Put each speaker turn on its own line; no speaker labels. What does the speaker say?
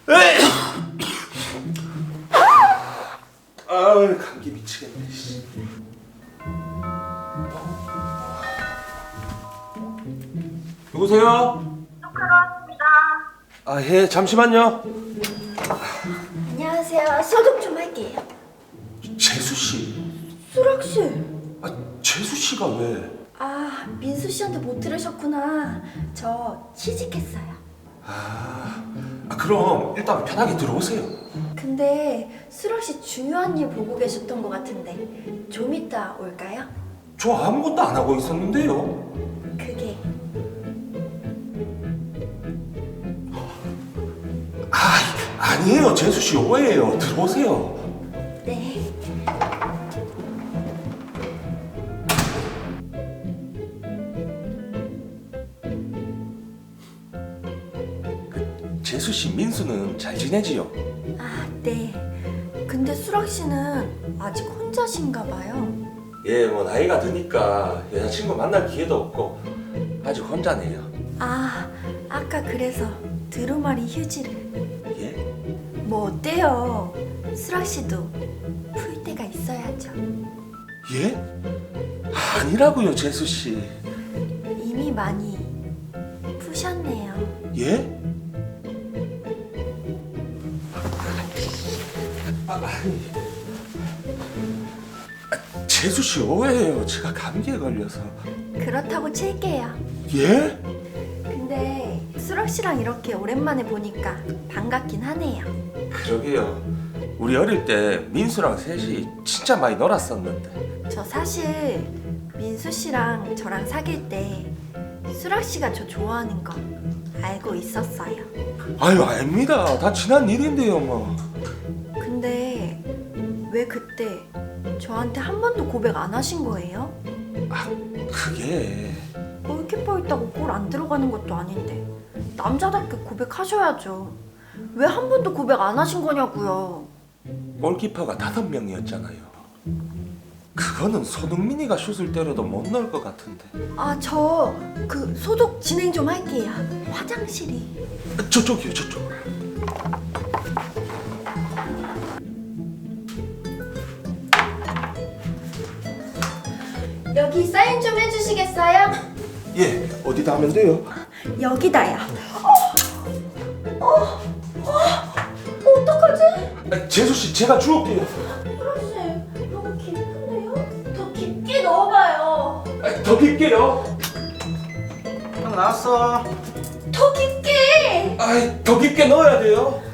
아, 감기 미치겠네. 씨. 누구세요?
들어왔습니다.
아, 예, 잠시만요.
안녕하세요. 소독 좀 할게요.
재수 씨.
수락 씨.
아, 재수 씨가 왜?
아, 민수 씨한테 못 들으셨구나. 저 취직했어요.
그럼 일단 편하게 들어오세요.
근데 수락 씨 중요한 일 보고 계셨던 것 같은데 좀 이따 올까요?
저 아무것도 안 하고 있었는데요.
그게
아니에요, 재수 씨 오해예요. 들어오세요.
네.
재수 씨, 민수는 잘 지내지요?
아, 네. 근데 수락 씨는 아직 혼자신가 봐요.
예, 뭐 나이가 드니까 여자친구 만날 기회도 없고 아직 혼자네요.
아, 아까 그래서 두루마리 휴지를.
예?
뭐 어때요? 수락 씨도 풀 때가 있어야죠.
예? 아니라고요, 재수 씨.
이미 많이 푸셨네요.
예? 재수 씨 오해예요. 제가 감기에 걸려서.
그렇다고 칠게요.
예?
근데 수락 씨랑 이렇게 오랜만에 보니까 반갑긴 하네요.
그러게요. 우리 어릴 때 민수랑 셋이 진짜 많이 놀았었는데.
저 사실 민수 씨랑 저랑 사귈 때 수락 씨가 저 좋아하는 거 알고 있었어요.
아유, 아닙니다. 다 지난 일인데요, 뭐.
근데 왜 그때 저한테 한 번도 고백 안 하신 거예요?
그게
골키퍼 있다고 골 안 들어가는 것도 아닌데 남자답게 고백하셔야죠. 왜 한 번도 고백 안 하신 거냐고요.
골키퍼가 5명이었잖아요. 그거는 손흥민이가 슛을 때려도 못 넣을 것 같은데.
아, 저 그 소독 진행 좀 할게요. 화장실이.
저쪽이요, 저쪽.
여기 사인 좀 해주시겠어요?
예, 어디다 하면 돼요?
여기다요. 어떡하지?
재수 씨, 제가 주울게요.
수락씨, 너무 깊은데요? 더 깊게 넣어봐요.
더 깊게요.
형 나왔어.
더 깊게.
더 깊게 넣어야 돼요.